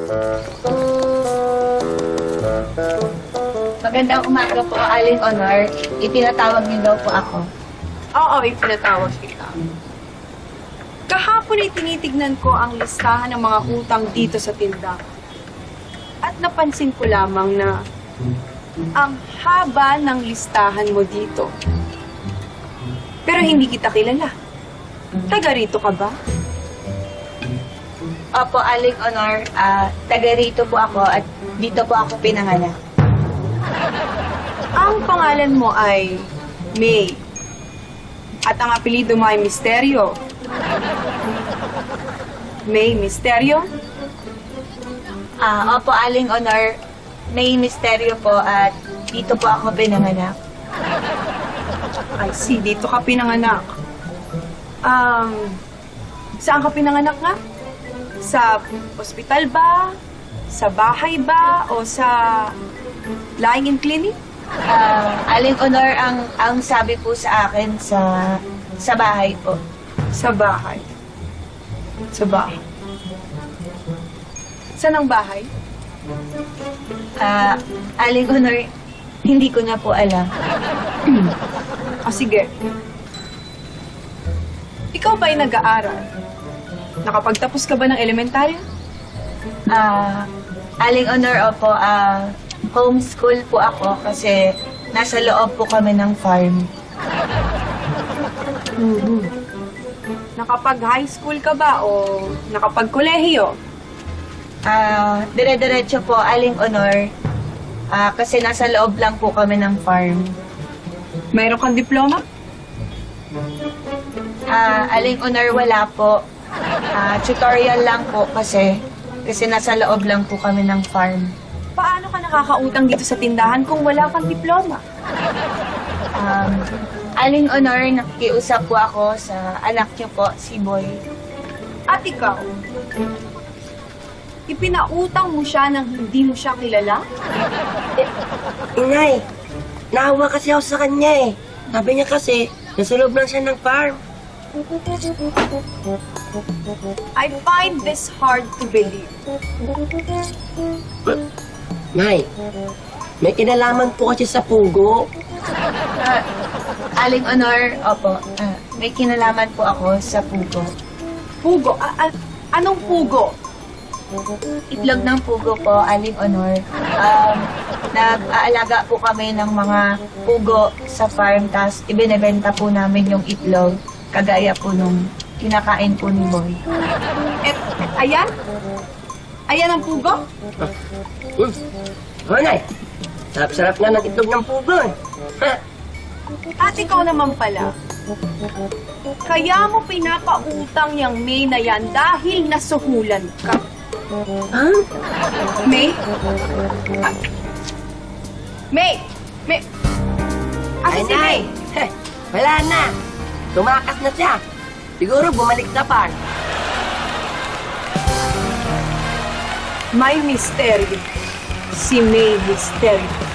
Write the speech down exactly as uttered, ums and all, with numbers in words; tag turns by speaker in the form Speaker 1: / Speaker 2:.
Speaker 1: Magandang umaga po, Aling Honor. Ipinatawag niyo daw po ako.
Speaker 2: Oo, ipinatawag kita. Kahapon ay tinitignan ko ang listahan ng mga utang dito sa tindahan. At napansin ko lamang na ang haba ng listahan mo dito. Pero hindi kita kilala. Taga rito ka ba?
Speaker 1: Opo, Aling Honor. Ah, taga rito po ako at dito po ako pinanganak.
Speaker 2: Ang pangalan mo ay May. At ang apelido mo ay Misteryo. May Misteryo?
Speaker 1: Ah, opo, Aling Honor. May misteryo po at dito po ako pinanganak.
Speaker 2: I see, dito ka pinanganak. Um, saan ka pinanganak nga? Sa ospital ba? Sa bahay ba? O sa lying-in clinic?
Speaker 1: Ah, Aling Honor, ang ang sabi po sa akin sa sa bahay po.
Speaker 2: Sa bahay. Sa bahay. Saan ang bahay?
Speaker 1: Ah, Aling Honor, hindi ko na po alam.
Speaker 2: O sige. Ikaw ba'y nag-aaral? Nakapagtapos ka ba ng elementarya?
Speaker 1: Ah, Aling Honor, opo, ah, homeschool po ako kasi nasa loob po kami ng farm.
Speaker 2: Nakapag-high school ka ba o nakapag-kolehiyo?
Speaker 1: Ah, dire-diretso po, Aling Honor, ah, kasi nasa loob lang po kami ng farm.
Speaker 2: Mayroon kang diploma?
Speaker 1: Ah, Aling Honor, wala po. Ah, tutorial lang po kasi kasi nasa loob lang po kami ng farm.
Speaker 2: Paano ka nakakautang dito sa tindahan kung wala kang diploma?
Speaker 1: Um, Aling Honor, nakikiusap po ako sa anak niyo po, si Boy.
Speaker 2: At ikaw, ipinautang mo siya nang hindi mo siya kilala?
Speaker 3: Inay, naawa kasi ako sa kanya eh. Sabi niya kasi, nasa loob lang siya ng farm.
Speaker 2: I find this hard to believe.
Speaker 3: Nay, may kinalaman po kasi sa pugo.
Speaker 1: Ah, Aling Honor, opo, ah, may kinalaman po ako sa pugo.
Speaker 2: Pugo? A- a- anong pugo?
Speaker 1: Itlog ng pugo po, Aling Honor. Um, nag-aalaga po kami ng mga pugo sa farm, tapos ibinebenta po namin yung itlog, kagaya po nung kinakain po ni Boy.
Speaker 2: Et, ayan? Ayan ang pugo?
Speaker 3: Hmm. Oh, Nay, sarap-sarap nga ng itlog ng pugo eh. Ha?
Speaker 2: At ikaw naman pala, kaya mo pinapautang yung May na yan dahil nasuhulan ka.
Speaker 3: Ha?
Speaker 2: May? Ah. May! May! Asa
Speaker 3: Ay,
Speaker 2: si
Speaker 3: Nay,
Speaker 2: May?
Speaker 3: heh, wala na. Tumakas na siya. Siguro bumalik sa farm.
Speaker 2: May misteryo. Si May Misteryo.